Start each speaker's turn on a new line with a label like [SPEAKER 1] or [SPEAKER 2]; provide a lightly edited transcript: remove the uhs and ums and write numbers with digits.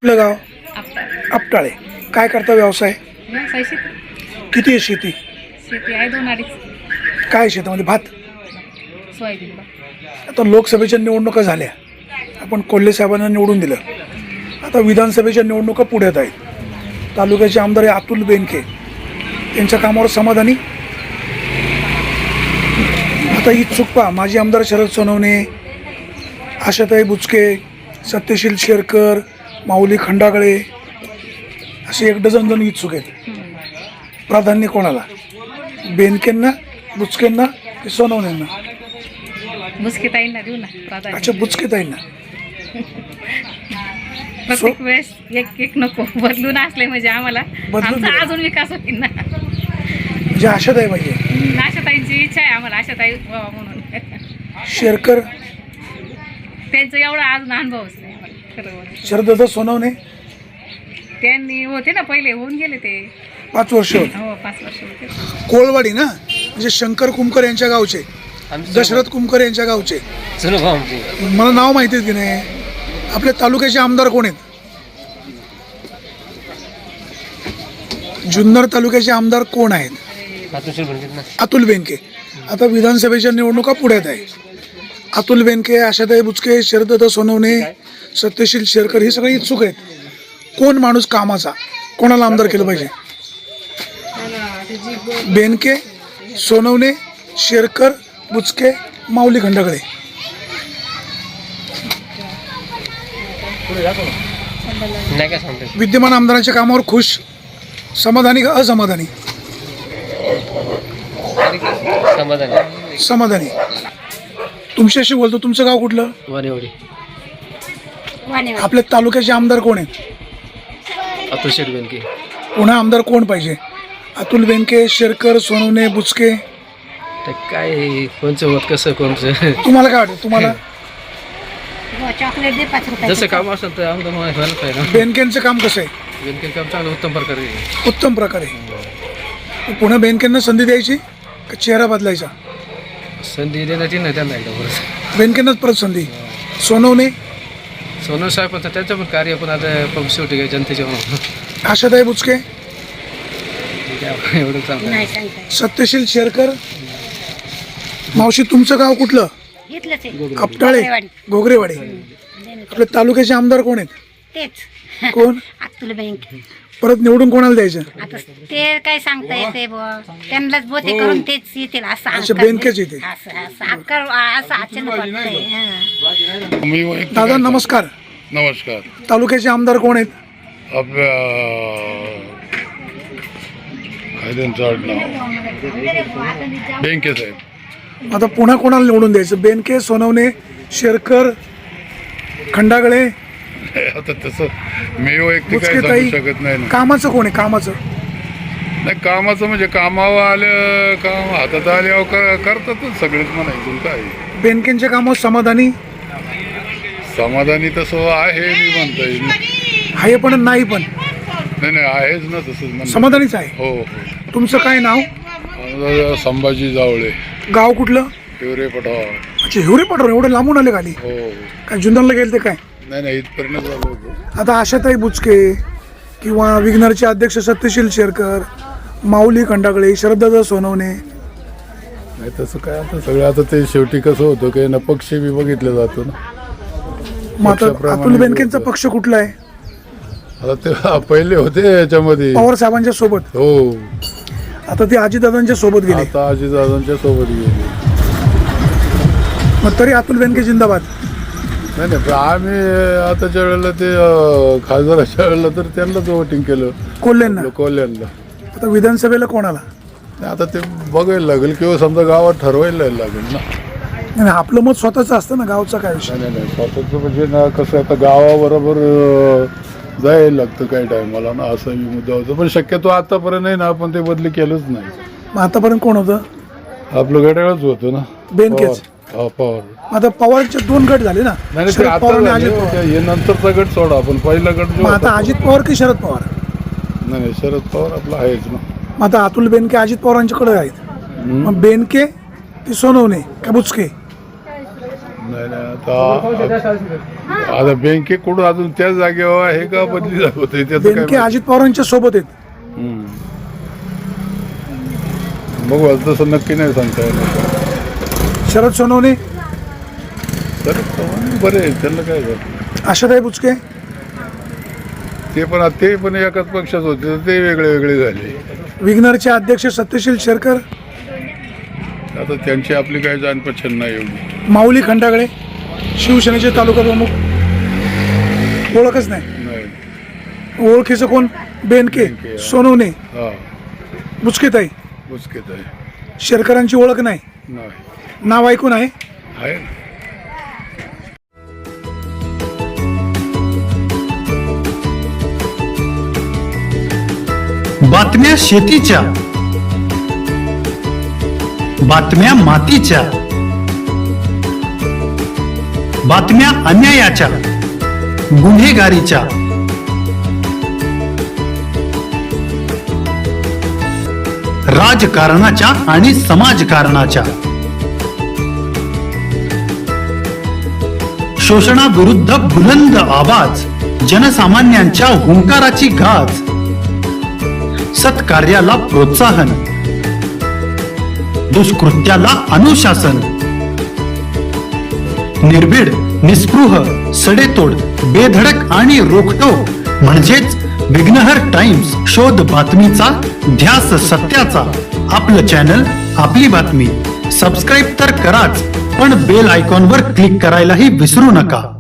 [SPEAKER 1] आपलं गाव
[SPEAKER 2] आपटा
[SPEAKER 1] आपटाळे. काय करता व्यवसाय?
[SPEAKER 2] व्यवसाय शेती
[SPEAKER 1] किती आहे शेती?
[SPEAKER 2] शेती आहे 2-2.5
[SPEAKER 1] काय शेतामध्ये भात?
[SPEAKER 2] सोयाबीन बा.
[SPEAKER 1] आता लोकसभेच्या निवडणुका झाल्या, आपण कोल्हे साहेबांना निवडून दिलं. आता विधानसभेच्या निवडणुका पुढ्यात आहेत. तालुक्याचे आमदार आहे अतुल बेनके, त्यांच्या कामावर समाधानी. आता इच्छुक पहा, माजी आमदार शरद सोनवणे, आशाताई बुचके, सत्यशील शेरकर, माऊली खंडागळे असे 1 डझन जण इच्छुक आहेत. प्राधान्य कोणाला? बेनकेंना, बुचकेंना की सोनवणेंना?
[SPEAKER 2] बुचकेताईंना देऊ ना प्राधान्य.
[SPEAKER 1] अच्छा, बुचकेताईंना.
[SPEAKER 2] प्रत्येक वेळेस एक नको, बदलून असले म्हणजे आम्हाला
[SPEAKER 1] बदलून
[SPEAKER 2] आमचा अजून विकास होईल ना.
[SPEAKER 1] म्हणजे आशाताई पाहिजे.
[SPEAKER 2] आशाताईंची इच्छा आहे आम्हाला आशाताई व्हावं म्हणून.
[SPEAKER 1] शेरकर,
[SPEAKER 2] त्यांचं एवढा अजून अनुभवच नाही आम्हाला. खरं
[SPEAKER 1] शरददादा सोनवणे
[SPEAKER 2] त्यांनी होते ना पहिले, होऊन गेले ते.
[SPEAKER 1] 5 वर्ष होते.
[SPEAKER 2] हो 5 वर्ष होते.
[SPEAKER 1] कोळवाडी ना, म्हणजे शंकर कुमकर यांच्या गावचे, दशरथ कुमकर यांच्या गावचे. मला नाव माहिती आहे की नाही? आपल्या तालुक्याचे आमदार कोण आहेत? जुन्नर तालुक्याचे आमदार कोण आहेत? अतुल बेनके. आता विधानसभेच्या निवडणुका पुढ्यात आहे. अतुल बेनके, आशाताई बुचके, शरददादा सोनवणे, सत्यशील शेरकर हे सगळे इच्छुक आहेत. कोण माणूस कामाचा, कोणाला आमदार केलं पाहिजे? बेनके, सोनवणे, शेरकर, बुचके, माऊली खंडागळे. विद्यमान आमदारांच्या कामावर खुश, समाधानी का असमाधानी? समाधानी. तुमच्याशी बोलतो. तुमचं गाव कुठलं?
[SPEAKER 3] वानेवाडी.
[SPEAKER 1] आपल्या तालुक्याचे आमदार कोण आहेत?
[SPEAKER 3] अतुल शेठ बेनके.
[SPEAKER 1] पुन्हा आमदार कोण पाहिजे? अतुल बेनके, शेरकर, सोनवणे, बुचके.
[SPEAKER 3] तर काय कोणचं होत कसं कोणचं
[SPEAKER 1] तुम्हाला काय वाटतं? तुम्हाला
[SPEAKER 2] चॉकलेट दे 5 रुपये.
[SPEAKER 3] जसं काम असेल तर आमदार व्हायला पाहिजे ना.
[SPEAKER 1] बेनकेंचं काम कसं आहे?
[SPEAKER 3] बेनके काम चांगलं उत्तम प्रकारे आहे.
[SPEAKER 1] उत्तम प्रकारे. पुन्हा बेनकेंना संधी द्यायची का चेहरा बदलायचा?
[SPEAKER 3] संधी देण्याची नाही त्यांना एकदा परत.
[SPEAKER 1] बेनकेंनाच परत संधी. सोनवणे,
[SPEAKER 3] सोनू साहेब पण त्यांचं पण कार्य पण आता शेवटी काय जनतेच्या म्हणून
[SPEAKER 1] आशाताई बुचके,
[SPEAKER 3] एवढं चांगलं
[SPEAKER 2] नाही सांगता
[SPEAKER 1] सत्यशील शेरकर. मावशी, तुमचं गाव कुठलं?
[SPEAKER 2] घेतलंच आहे
[SPEAKER 1] आपटाळे, घोगरेवाडी. आपल्या तालुक्याचे आमदार कोण आहेत?
[SPEAKER 2] तेच
[SPEAKER 1] कोण?
[SPEAKER 2] अतुल बेनके.
[SPEAKER 1] परत निवडून कोणाला द्यायचं?
[SPEAKER 2] आता ते काय सांगता येते बुवा, त्यांनाच बोते करून तेच येतील असं.
[SPEAKER 1] अच्छा, बेनकेच येते.
[SPEAKER 2] असं अचानक वाटतंय. हां.
[SPEAKER 1] दादा नमस्कार.
[SPEAKER 4] नमस्कार.
[SPEAKER 1] तालुक्याचे आमदार कोण आहेत?
[SPEAKER 4] आपल्या काय त्यांचं आडनाव? बेनके साहेब.
[SPEAKER 1] आता पुन्हा कोणाला निवडून द्यायचं? बेनके, सोनवणे, शेरकर, खंडागळे,
[SPEAKER 4] आता तसं मी वैयक्तिक काय
[SPEAKER 1] बुचकेताई.
[SPEAKER 4] सांगू शकत नाही ना.
[SPEAKER 1] कामाचं कोण आहे? कामाचं
[SPEAKER 4] नाही, कामाचं म्हणजे कामावर आलं, काम हातात आल्यावर करतातच सगळेच म्हणायचं काय.
[SPEAKER 1] बेनकेंच्या कामावर समाधानी
[SPEAKER 4] समाधानी तसं आहे मी म्हणता येईल.
[SPEAKER 1] आहे पण नाही पण
[SPEAKER 4] नाही आहेच ना तसंच म्हणणं.
[SPEAKER 1] समाधानीच आहे.
[SPEAKER 4] हो
[SPEAKER 1] तुमचं काय नाव?
[SPEAKER 4] हो. संभाजी जावळे,
[SPEAKER 1] गाव कुठलं?
[SPEAKER 4] हिवरे पठार.
[SPEAKER 1] अच्छा, हिवरे पठार. एवढे लांबून आले खाली?
[SPEAKER 4] हो.
[SPEAKER 1] काय जुन्नरला गेले ते काय?
[SPEAKER 4] नाही इथपर्यंत झालो होतो.
[SPEAKER 1] आता आशाताई बुचके किंवा विघ्नरचे अध्यक्ष सत्यशील शेरकर, माऊली खंडागळे, शरददादा सोनवणे.
[SPEAKER 4] नाही तसं काय आता सगळं आता ते शेवटी कसं होतं की ना पक्ष बी बघितलं जातो ना.
[SPEAKER 1] मग आता अतुल बेनकेंचा पक्ष कुठला आहे?
[SPEAKER 4] आता ते पहिले होते याच्यामध्ये
[SPEAKER 1] पवार साहेबांच्या सोबत.
[SPEAKER 4] हो.
[SPEAKER 1] आता ते अजितदादांच्या सोबत गेले.
[SPEAKER 4] आता अजितदादांच्या सोबत गेले.
[SPEAKER 1] मग तरी अतुल बेनके जिंदाबाद.
[SPEAKER 4] नाही पण आम्ही आताच्या वेळेला ते खासदाराच्या वेळेला तर त्यांनाच वोटिंग केलं,
[SPEAKER 1] कोल्हेंना.
[SPEAKER 4] कोल्ह्यांना.
[SPEAKER 1] आता विधानसभेला कोणाला?
[SPEAKER 4] आता ते बघायला लागेल किंवा समजा गावात ठरवायला लागेल ना.
[SPEAKER 1] नाही, आपलं मत स्वतःचं असतं ना, गावचा काय विषय.
[SPEAKER 4] नाही स्वतःचं म्हणजे ना कसं आता गावाबरोबर जायला लागतं काही टायमाला ना, असा मी मुद्दा होता. पण शक्यतो आतापर्यंत नाही ना, आपण ते बदली केलंच नाही.
[SPEAKER 1] मग आतापर्यंत कोण होतं?
[SPEAKER 4] आपलं घड्याळच होतं ना,
[SPEAKER 1] बेनकेच.
[SPEAKER 4] पवार.
[SPEAKER 1] आता पवारचे 2 गट झाले ना,
[SPEAKER 4] नाही
[SPEAKER 1] शरद पवार आणि अजित पवार.
[SPEAKER 4] हे नंतरचा गट सोडा, आपण पहिला गट जो
[SPEAKER 1] मग आता अजित पवार की शरद पवार?
[SPEAKER 4] नाही शरद पवार आपला आहेच ना.
[SPEAKER 1] मग आता अतुल बेनके अजित पवारांच्याकडे आहेत. मग बेनके की सोनवणे का बुचके?
[SPEAKER 4] नाही नाही आता बँकेकडून अजून त्याच जागेवर आहे का बदली होते त्याचं
[SPEAKER 1] बेनके
[SPEAKER 4] काय
[SPEAKER 1] अजित पवारांच्या सोबत आहेत.
[SPEAKER 4] हम्म. बघू आता तसं नक्की नाही सांगता येणार.
[SPEAKER 1] शरद सोनवणे,
[SPEAKER 4] तर बरे आहे, त्यांना काय झालं.
[SPEAKER 1] आशाताई बुचके,
[SPEAKER 4] ते पण एकाच पक्षात होते तर ते वेगळे वेगळे झाले.
[SPEAKER 1] विग्नरचे अध्यक्ष सत्यशील शेरकर,
[SPEAKER 4] आता त्यांची आपली काही जाण पछन नाही एवढी.
[SPEAKER 1] माऊली खंडागळे, शिवसेनेचे तालुका प्रमुख, ओळखच नाही.
[SPEAKER 4] नाही
[SPEAKER 1] ओळखीचं कोण? बेनके,
[SPEAKER 4] बेनके,
[SPEAKER 1] सोनवणे,
[SPEAKER 4] हा
[SPEAKER 1] बुचकेताई.
[SPEAKER 4] मुस्कित आहे.
[SPEAKER 1] शेरकरांची ओळख नाही,
[SPEAKER 4] नाही
[SPEAKER 1] नाव ऐकून आहे.
[SPEAKER 4] आहे ना.
[SPEAKER 5] बातम्या शेतीच्या, बातम्या मातीच्या, बातम्या अन्यायाच्या, गुन्हेगारीच्या, राजकारणाच्या आणि समाजकारणाच्या, शोषणाविरुद्ध बुलंद आवाज, जनसामान्यांच्या हुंकाराची गाज, सत्कार्याला प्रोत्साहन, दुष्कृत्याला अनुशासन, निर्भीड, निस्पृह, सडेतोड, बेधडक आणि रोखटोक म्हणजेच विघ्नहर टाइम्स. शोध बातमीचा, ध्यास सत्याचा. आपलं चॅनल, आपली बातमी. सबस्क्राईब तर कराच, पण बेल आयकॉनवर क्लिक करायलाही विसरू नका.